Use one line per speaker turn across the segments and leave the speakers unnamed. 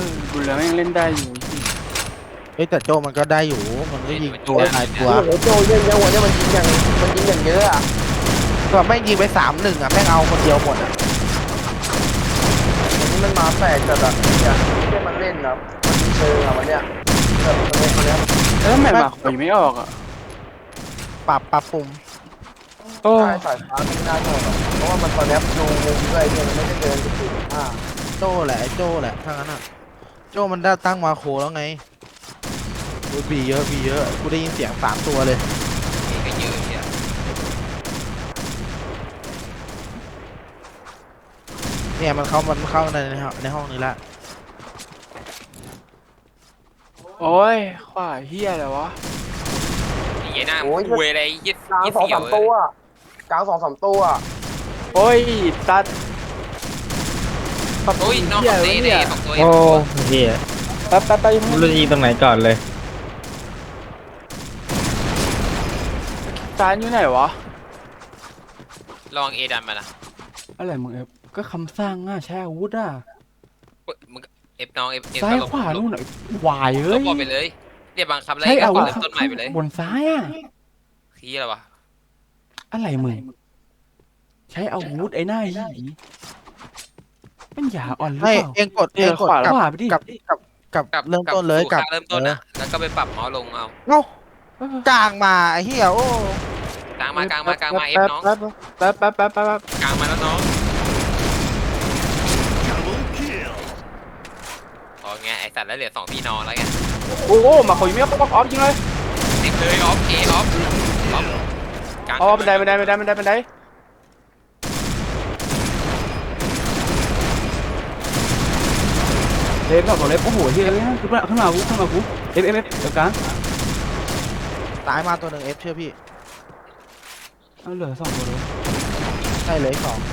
บุญเหลืองยังเล่นได้อยู่
เฮ้ยแต่โจมันก็ได้อยู่มันก็ยิงตัวหลายตัว
โอ้โหโจเยอะๆวันนี้มันยิงอย่างเยอะอ่ะ
ก็แม่งยิงไป3-1อ่ะแม่งเอาคนเดียวหมดอ่ะ
วันนี้มันมาแปลกจัดอ่ะอย่างไม่ได้มันเล่นนะมันเชิงอ่ะวันเนี้ยแบบวันเนี้ย
แล้วทำไมหมากข่อยไม่ออกอ่ะ
ปรับปรุง
โอ้
ใช่สายฟ้าไม่น่าใช่หรอกเพราะว่ามันตอนนี้ดูมุมด้วยเนี่ยมันไม่ได้เดินไปถึง
โจแหละไอ้โจแหละถ้างั้นอ่ะโจมันได้ตั้งมาโคแล้วไงบีเยอะกูได้ยินเสียง3 ตัวเลย
นี่ก็เยอะเชียว
เนี่ยมันเข้าในห้องนี้ละ
โอ้ยขวาเฮียอะไรวะ
ไอ้เหี้ยหน้าคุยอะไรยึด
กลาง
ยึด
สอง
เสี่ย
สาว มตัวกลาง2-3ตัว
โอ้ยตัด
โอ้ยน้องเตะเลยสองตัว
โอ้เฮีย
แป๊บไป
ไม่รู้จะยิงตรงไหนก่อนเลย
จานอยู่ไหนวะ
ลองเอดันมานะ
อะไรมึงก็คำสร้างอ่ะใช้อาวุธอ่ะ
มึงเอฟน้องเอฟ
ซ้ายขวานู่นวาย
ล
เอ้ย
บไปเลยเรียกบางคำแล้ว
ใช้
ก็
อาวุธ
เริ่มต้นใหม่ไปเลย
บนซ้ายอ่ะ
ขี้อะไรวะ
อะไรมึงใช้อาวุธไอ้หน้าหีมันอย่าอ่อนหรือ
ให้
เปล่า
เองกด
ขวา
กับ
ขวาไปดิ
กับเริ่มต้นเลย
สู่
กับ
ค่าเริ่มต้นอ่ะแล้วก็ไปปรับเมาส์ลงเอา
เอ้ากลางมาไอ้เหี้ยโอ้
กลางมากลางเอฟน้อง
แป๊บ
กลางมาแล้วน้องอ๋อไงไอสัตว์แล้วเหลือ2พี่น้องแล้วไง
โอ้หมาข่อยไม่ออฟจริงเลย
เต็มเลยออฟเอออฟกลาง
อ๋อบันไดเล็บแบบเล็บโอ้โหเฮียขึ้นมากูเอฟเดี๋ยวกลาง
ตายมาตัวหนึ่งเชื่อพี่
เอาเหลือ2ตัวเลย
ใช่เลย2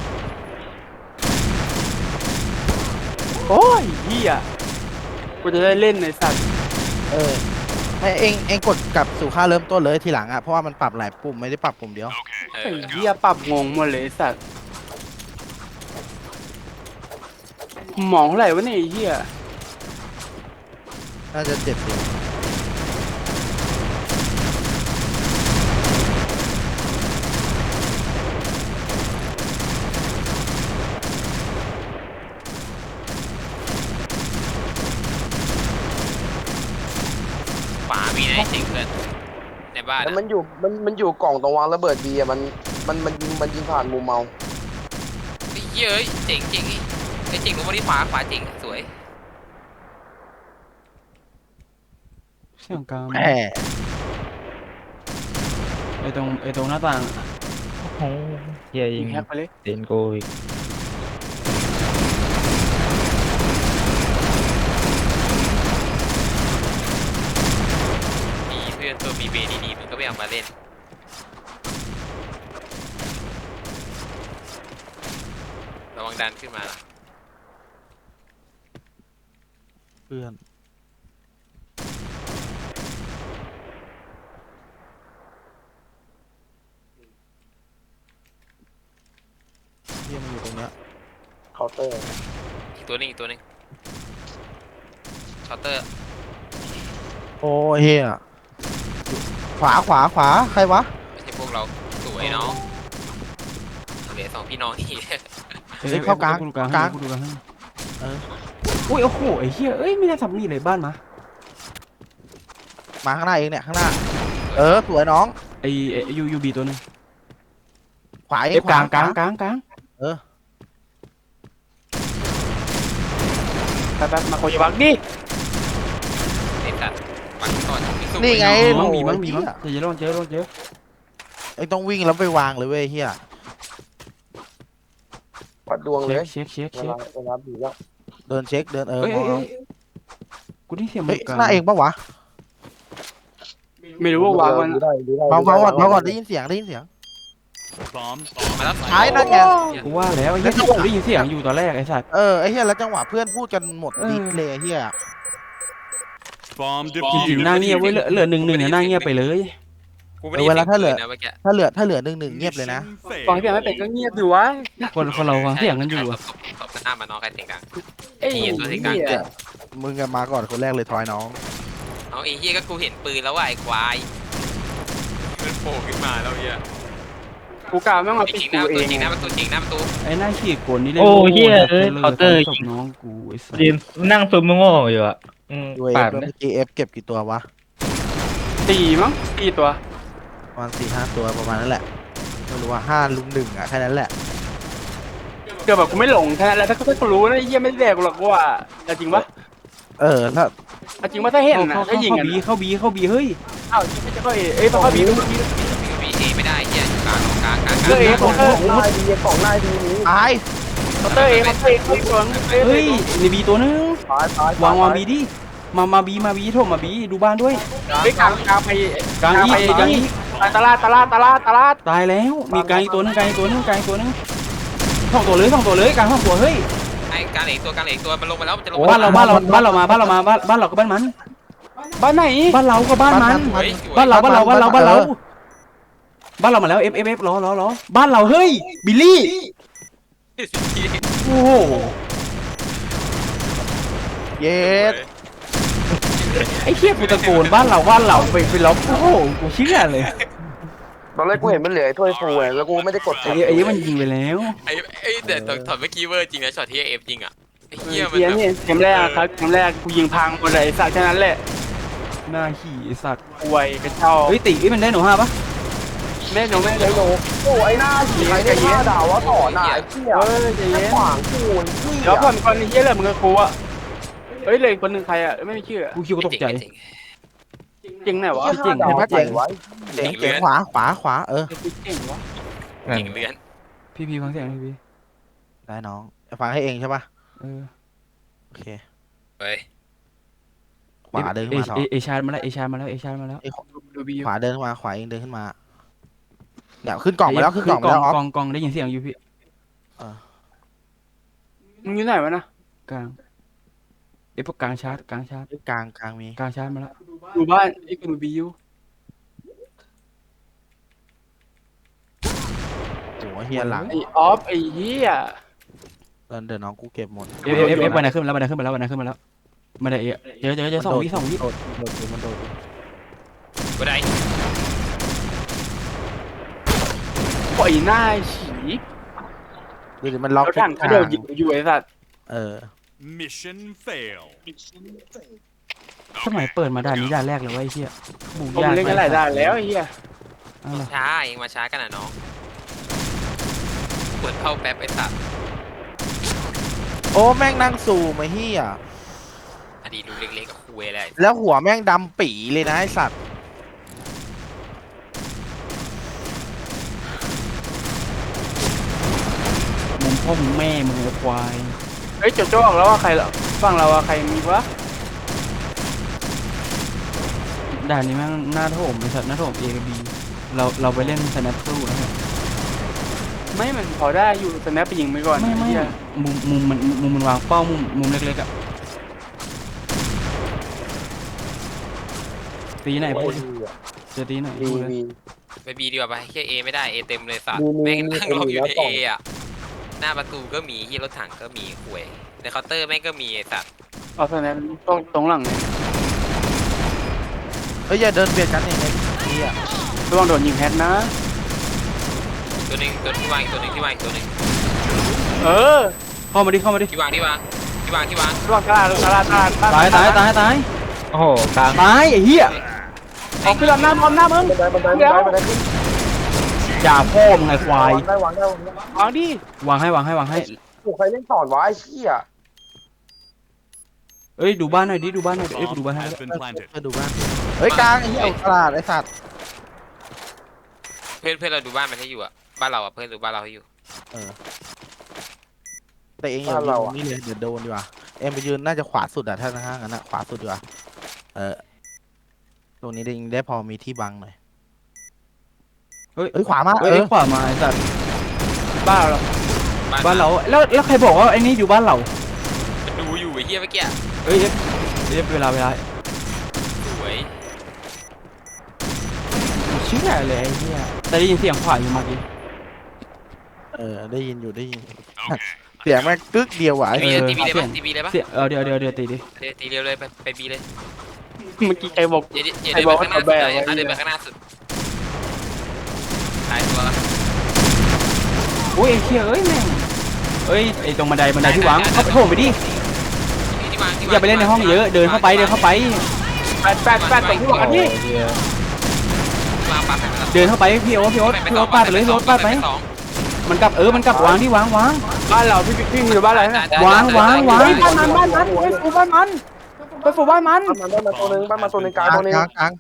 โอ้ยเฮียกูจะได้เล่นในสัตว์
ให้เองกดกลับสู่ค่าเริ่มต้นเลยทีหลังอ่ะเพราะว่ามันปรับหลายปุ่มไม่ได้ปรับปุ่มเดียว
เอ
ไอ้
อ
เฮียปรับงงหมดเลยสัตว์หมองเท่าไหร่วะเนี่ยไอ้เฮีย
น่าจะ70
ฝามีนะจริงเพื่อนในบ้าน
แล้วมันอยู่กล่องตรงวางระเบิดดีอ่ะมันยิงผ่านมุมเมา
เย้ยเจ๋งไอเจ๋งลงมาที่ขวาเจ๋งสวย
เสียงกลาง
แหม
ไอ้ตรงหน้าต่าง
โอ้เฮียยิ
ยิ
ง
งแฮกไปเลย
เดนโกอีก
มีเพื่อนตัวมีเบดีๆมันก็ไม่เอามาเล่นระวังดันขึ้นมา
เพื่อนเฮียมันอยู่ตรงเนี้ย
เคาน์เตอร์
อีกตัวนึงเคาน์เตอร์
โอ้เฮียขวาใครวะ
ไม่ใช่พวกเราสวยน้องเหลือ2พี่น้องนี่
เข้ากลาง
กูดูกลางอุ้ยโอ้โหไอ้เฮียเอ้ยไม่ได้ทำนี่เลยบ้านมา
มาข้างหน้าเองเนี่ยข้างหน้าสวยน้อง
ไอ้ยูบีตัวนึง
ขวาเอ
เอฟกลางแป๊บมาโคยบักดิ
ไอ้สัตว์ปัดก่อน
นี่ไง
มั้ง
โอ้
มี
ย
มั้ง
เหี้ย
เจอลงเจอ
ไอ้ต้องวิ่งแล้วไปวางเลยเว้ยเฮีย
วัดดวงเลย
เช็ค
เวลาบีแล้ว
เดินเช็คเดิน
เอ้ยกูได้เสียง
เฮ้ยข้างหน้าเองปะวะ
ไม่รู้ว่าวางมัน
ดูได้
เบาก่อนได้ยินเสียง
มาแล้ว
ท้ายนั่นไง
กูว่าแล้วไอ้เหี้ยกูได้ยินเสียงอยู่ตอนแรกไอ้สัตว์
ไอ้เฮียแล้วจังหวะเพื่อนพูดกันหมดดิสเลยไอ้เฮีย
จริงๆหน้าเงียบเว้ยเหลือ1-1เนี่ยหน้าเงียบไปเลย
กูไม่ได้ยินเสียงปืนนะเมื่อกี้
ถ้าเหลือ1-1เงียบเลยนะ
ฟังที่ไม่เป็นก็เงียบอยู่วะคนเราฟังเสียงกันอยู่อะ
ตบหน้ามาน้องใครเสียงดัง
ไอ้
เหี้ยตัวเสียงดัง
เหี้ย
มึงกันมาก่อนคนแรกเลยทอยน้อง
เอาไอ้เหี้ยก็กูเห็นปืนแล้วว่ะไอ้ควายมันโผล่ขึ้นมาแล้วเหี้ย
กูกล่าวแม่งมา
ไอ้
ปิด
จริงห
กู
น้า
เอ
ประตู
ง
จริงหน้าประตูจริงหน้าประตู
ไอ้หน้าขี้โกนนี่เล่น
โอ้
โง่
เหี้ย
นะ
เอ้ย
เลย
เคาน์เตอร์
ศพน้องกูไอ้สัส
ยืนนั่งซุมโง่อยู่อ่ะ
ดูเอ
ปา
ฟ
ด
เมื่อกี้เอฟเก็บกี่ตัววะ
สี่มั้งสี่ตัว
ประมาณ4-5 ตัวประมาณนั้นแหละไม่รู้ว่า5 ลุม 1อ่ะแค่นั้นแหละ
เกือบแบบกูไม่หลงแค่นั้นแหละถ้ากูรู้นะไอ้เหี้ยไม่ได้แดกกูหรอกว่าแต่จริงปะ
ถ้า
จริงว่าถ้าเห็นนะ
เข้า
ถ้ายิง
เข้า
กัน
บีเข้าบีเข้าบีเฮ้ย
อ้าวไม่จะเข้าเอเอ้ยต้องเข้าบีต้องเข้าบี
มีเอไม่ได้เหี้ยอยู่กลางกลางกลาง
เออเอของเออ
ตาย
เคาน์เตอร์เอเข้าเตอร์เอเข้าตัว
เฮ้ยในบีตัวนึง
ตายว
างบีดิมาบีโทรมาบีดูบ้านด้วย
เฮ้ยกลางไป
กลางอีกกลางอีก
ตลาด
ตายแล้วมีกลางอีกตัวนึงกลางอีกตัวนึงกลางอีกตัวนึงสองตัวเลยกลางสองตัวเฮ้ย
ไอ้กลางเหล็กตัวกลางเหล็กตัวมันลงมาแล้วมันจะลง
บ้านเราบ้านเราก็บ้านมัน
บ้านไหน
บ้านเราก็บ้านมัน
เฮ้ย
บ้านเราบ้านเรามาแล้วเอฟรอบ้านเราเฮ้ยบิลลี่โอ้โห
เย็ด
ไอ้เหี้ยกูตะโกนบ้านเราไปล็อกโอ้โหกูเชื่อเลย
ตอนแรกกูเห็นมันเหลือถ้วยฟูแล้วกูไม่ได้กด
ไอ้มันยิงไปแล้ว
ไอ้แต่ถอดเมื่อกี้เวอร์จริงนะช็อตที่เอฟจริงอ่ะไอ้เหี้ยมัน
เกมนี่เกมแรกครับเกมแรกกูยิงพังหมดเลยไอ้สัตว์แค่นั้นแหละ
หน้าขี่ไอ้สัตว์
ป่วยกระเจ้า
เฮ้ยติมันได้หนู5ปะ
แม่หนูโอ้ไอ้หน้าฉีไอ้หน้าด่าว่าต่อหน้าไอ้เหี้ยใจเย็นขวางกูเดี๋ยวก่อนคนนี้เหี้ยเลยมึงกับกูอะเฮ้ยเลยคนหนึ่งใครอะไม่มีชื่อ
กูคิดว่าตกใจ
จริงไหนวะ
เจ๋งเห็นไหมเจ๋งเจ๋งขวาขวา
จริงวะ
จริงเลือน
พี่ฟังเสียงพี่
ได้น้องฟังให้เองใช่ปะ โอเค
เฮ้ย
ขวาเดินขึ้นมาต่อ
เอชาร์มาแล้ว
ดูบี
ขวาเดินขึ้นมาขวาเองเดินขึ้นมาเนี่ยขึ้นกล่องมาแล้วขึ้นกล่องมาแล้วออฟ
กองได้ยินเสียงอยู่พี่
มึงอยู่ไหนวะนะ
กลางพวกกลางชาร์จ
กลางมี
กลางชาร์จมาแล้ว
ดูบ้านไอ้กูดูบีอยู่
โอ้เฮียหลัง
ไอ้ออฟไอ้เหี้ย
เดินน้องกูเก็บหมด
เอฟบันไดขึ้นมาแล้วมาได้เจอ2 วิ
โดดมันโดด
กูได้
ปล่อยหน้าฉี
ดูดิมันล็อก
รถถังก็เดี๋ยวยิงอยู่ไอ้สัตว์
Mission fail.
สมัยเปิดมาด่านนี้ด่านแรกเลยว่าไอ้เหี้ยบุก
ผม
ยาก
เล่นกันหลายด่านแล้วไอ้เหี้ย
ช้าเองมาช้ากันนะน้องปวดเข้าแป๊บไอ้สัตว์
โอ้แม่งนั่งซูมไอ้เฮีย
อดีตดูเล็กๆกับคุยอะไร
แล้วหัวแม่งดำปีเลยนะไอสัตว์
มุมพ่อมึงแม่มึงไอ้ควาย
เฮ้ยโจโจ้ออกแล้วว่าใครฝั่งเราอะใครมีวะ
ด่านนี้แม่งหน้าโถมไอ้สัตว์หน้าโถมเอกับบีเราไปเล่นสแนปสู้นะ
ไม่มันพอได้อยู่แต่แนบไปยิงไปก่อน
ไม่
เหี้ย
มุมมันวางเป้ามุมเล็กๆอะตีไหนพูดจะตีไหนพูดเลย
ไปบีดีกว่าไปแค่เอไม่ได้เอเต็มเลยสัตว์แม่งนั่งรออยู่ในเออ่ะหน้าประตูก็มีที่รถถังก็มีคุยในเคาน์เตอร์แม่งก็มีไอ้สัตว์
เอาแต่แนบตรงหลังเนี่ย
เฮ้ยอย่าเดินเบียดกันอย่างเงี้ยเฮีย
ระวังโดนยิงแฮตนะ
ตัวหนึ่งที่วางอีกตัวหนึ่งที่วางอีกตัวหนึ่ง
เออ
เข้ามาดิ
ที่วาง
ระวังตลาด
ตาย
โอ้โหกลาง
ตายไอ้เหี้ย
ออกขึ้นลำหน้าพร้อมหน้ามึงเดี๋ยว
อย่าพ่อมึงไอ้ควาย
วางดิ
วางให้
ถูกใครเล่นสอนวะไอ้เหี้ย
เอ้ยดูบ้านหน่อยดิดูบ้านหน่อยเอ้ยกูดูบ้านให้
Has been planted.
ไปดูบ้านเฮ้ยกลางไอ้เหี้ยตลาดไอ้สัตว์
เพื่อนเราดูบ้านมันให้อยู่อ่ะบ้านเราอ่ะเพื่อนดูบ้านเราให้อยู่
แต่เองอย่ายืนนี่เลยเดี๋ยวโดนดีกว่าเอ็มไปยืนน่าจะขวาสุดอะถ้าข้างนั้นอะขวาสุดดีกว่าตรงนี้ได้พอมีที่บังหน่อย
เฮ้ย
เฮ้ยขวามา
เฮ้ยขวามาไอ้สัตว์
บ้าเหรอ
บ้านเราแล้วใครบอกว่าไอ้นี่อยู่บ้านเรา
มันดูอยู่ไอ้เหี้ยเมื่อกี้
เอ้ยเวลา
สวย
เชื่อเลยไอ้เหี้ยแต่ได้ยินเสียงขวาอยู่เมื่อกี้
ได้ยินอยู่เสียงแม่งกึกเดียวว่ะไอ้
ตีบีเลยปะตีบีเลยปะ
เสียเดี๋ยวตีดิ
ตีเร็วเลยไปบีเลย
เมื่อกี้ใครบอก
อย่าเดินไปข้างหน้าสุดเลยเดินไปข้างหน้าสุดตายตัว
โอ้ยไอ้เหี้ยเอ้ยแม่งเอ้ยไอ้ตรงบันไดที่วางเข้าไปโถมไปดิอย่าไปเล่นในห้องเยอะเดินเข้าไป
แปดตรงที่บอกกันนี่
เดินเข้าไปพี่โอ๊ตปาดไปเลยพี่โอ๊ตปาดไปมันกลับมันกลับวางที่วาง
บ้านเราพี่อยู่บ้านอะไรนะ
วาง
บ้านมันไปฝูบ้านมันไปฝูบ้านมัน
บ้านมาตัวหนึ่งกลางตัวหนึ่ง
กลาง
กลาง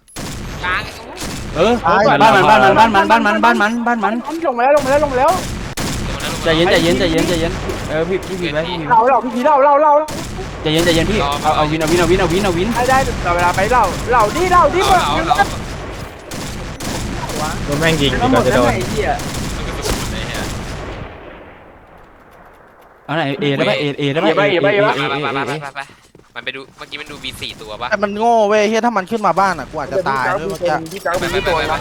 บ้านมัน
ลงมาแล้ว
ใจเย็นพี่ไป
เราพี่เรา
ใจเย็นพี่เอาวิน
ได้ต่อเวลาไปเราดิ
โดนแม่งยิง
ทั้งหม
ก่อ
ด
นจะ
นั่
โด
น
น
ไอ้เหี้ย
เอาไหนเอได้ปะเอได้ปะ
มันไปดูเมื่อกี้มันดูบี4ตัวปะ
แต่มันโง่เว้ยเฮียถ้ามันขึ้นมาบ้านอ่ะกูอาจจะตายด้วยเมื่อกี้
ที่กลางเป็นที่ตัวนะ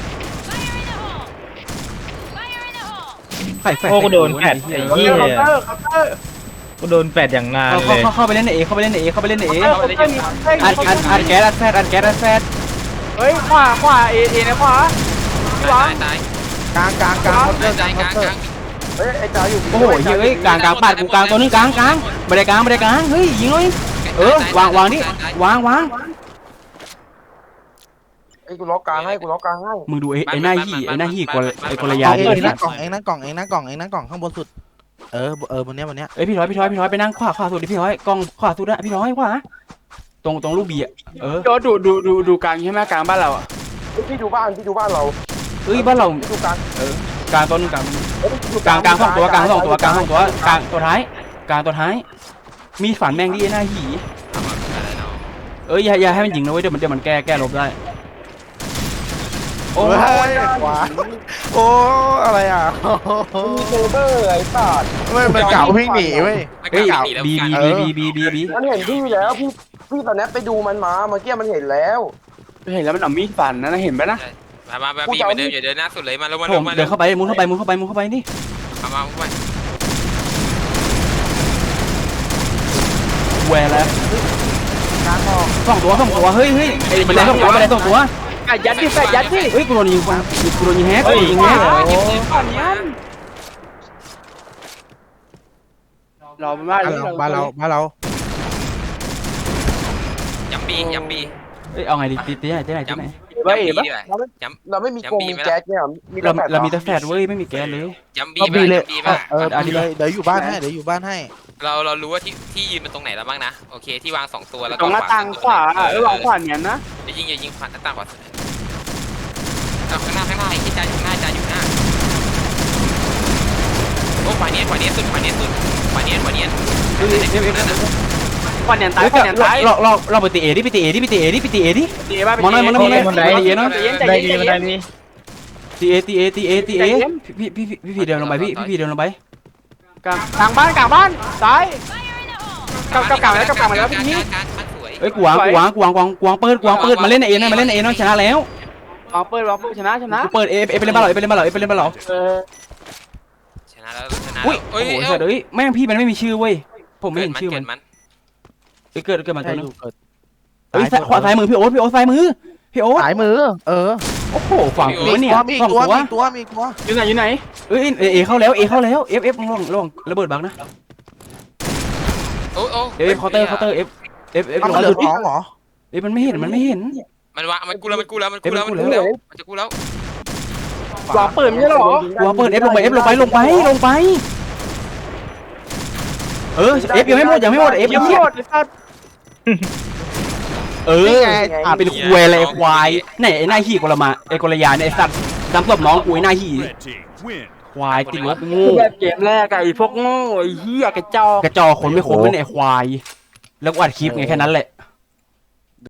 โอ้กูโดนแปดไอ้เหี้ย
เคาน์เตอร์
กูโดนแปดอย่างนานเลย
เข้าไปเล่นเอเข้าไปเล่นเออัดแก๊ส
เฮ้ยขวาเอนะขวา
ตาย
กลาง
กลาง
เฮ้ยไอ้จ่าอยู่
โอ้โหเฮ้ยกลางปาดกูกลางตัวนึงกลางไม่ได้กลางเฮ้ยยิงเลยวางนี่วาง
ไอ้กูล็อกกลางให้
มึงดูไอ้หน้าหี่กว่าไอ้กลยา
เอง
ดิ
นั่งกล่องข้างบนสุดบนเนี้ย
เอ้ยพี่ร้อยไปนั่งขวาสุดดิพี่ร้อยกล้องขวาสุดอะพี่ร้อยขวาตรงลูกบีอะ
โดดูกลางใช่ไหมกลางบ้านเราอ่ะ
พี่ดูบ้านเรา
เอ้ยบ้านเรา
พี่ดูกลาง
กลางตัวนึงกลางสองตัวกลางตัวท้ายกลางตัวท้ายมีฝันแมงดิไอ้หน้าหี่เอ้ยอย่าให้มันยิงนะเว้ยเดี๋ยวมันแก้ลบได้โอ้
โอ้ยขวาโอ้อะไรอ่ะ
มีเซเบอร์ไอ้สัตว์
มันเก่าวิ่งหนีเว้ย
เฮ้ยบี
มันเห็นพี่แล้วพี่ตอนนี้ไปดูมันมาเมื่อกี้มันเห็นแล้ว
เห็นแล้วมันเอามีดฟันนะเห็นไหมนะ
มาบีมาเดินอย่าเดินหน้าสุดเลยมาลงมา
ผมเดินเข้าไปมุนเข้าไปนี่
มา
แหวแล้ว
กลางออก
สองตัวเฮ้ยมันได้สองตัว
ยัดดิ
เฮ้ยกูโดนยิงแฮก
เราเป็นบ้าน
บ้านเรา
ย้ำบี
เอ้ยเอาไงดีตีไหน
เราไม่มีกงมีแก๊สเนี่ยมี
เรามีแต่แฟดเว้ยไม่มีแก๊สเลย
ย้ำบี
บีเลย
ป่ะ
เลยเดี๋ยวอยู่บ้านให้
เรารู้ว่าที่ยืนมันตรงไหนแล้วบ้างนะโอเคที่วาง2ตัวแล้ว
ตรงหน้าต่างขวาวางขวาเนี่ยนะ
อย่ายิงผ่านหน้าต่างขวาสุดข้างหน้าไอ้ที่จ่าอยู่หน้าโอ้ขวาเนียนสุดขวาเนียน
ขวาเนี่ยตาย
เราไปตีเอดิตีเอดิ
ตีบ้าน
มองหน่อย
มันได้ดีมันได้ดี
ตีเอพี่เดินลงไปพี่เดินลงไป
กลางบ้านซ้ายกลางแล้วพี่นี่
สวย
เอ้ยกวางเปิดมาเล่นเอน้องชนะแล้ว
วางเปิดชนะ
กูเปิดเอไปเล่นบ้านเรา
ชนะแล้ว
อุ้ยโอ้โหเฮ้ยแม่งพี่มันไม่มีชื่อเว้ยผมไม่เห็นชื่อมันเกิดมาตัวนึงเฮ้ยขวาซ้ายมือพี่โอ๊ตซ้ายมือพี่โอ๊ต
สายมือ
โอ้โหฝั่งกูเนี่ย
มี
ฝั่ง
ตัว
กูวะ
อยู่ไหน
เอ้ยเอเข้าแล้วเอฟลงระเบิดบังนะ
โอ้
เอฟเคาน์เตอร์เอฟ
มันเหลือท้องเหรอ
เอ้ยมันไม่เห็น
มันวะมันกูแล้วจะกูแล้ว
วางเปิดไม่ใช่หรอ
วางเปิดเอฟลงไปเออเอฟยังไม่หมดเอฟยังไม่หมดเป็นควยอะไรควายไหนไอ้หน้าหี่กลมาไอ้กลยาเนี่ยไอ้สัตว์ดำศพน้องกูไอ้หน้าหี่
Red team win.
ควายติดลบโง่
แบบเกมแรกไอ้พวกโง่ไอ้เหี้ยกระจอก
กระจอกคนไม่ครบไม่ไหนควายแล้วกูอัดคลิปไงแค่นั้นแหละ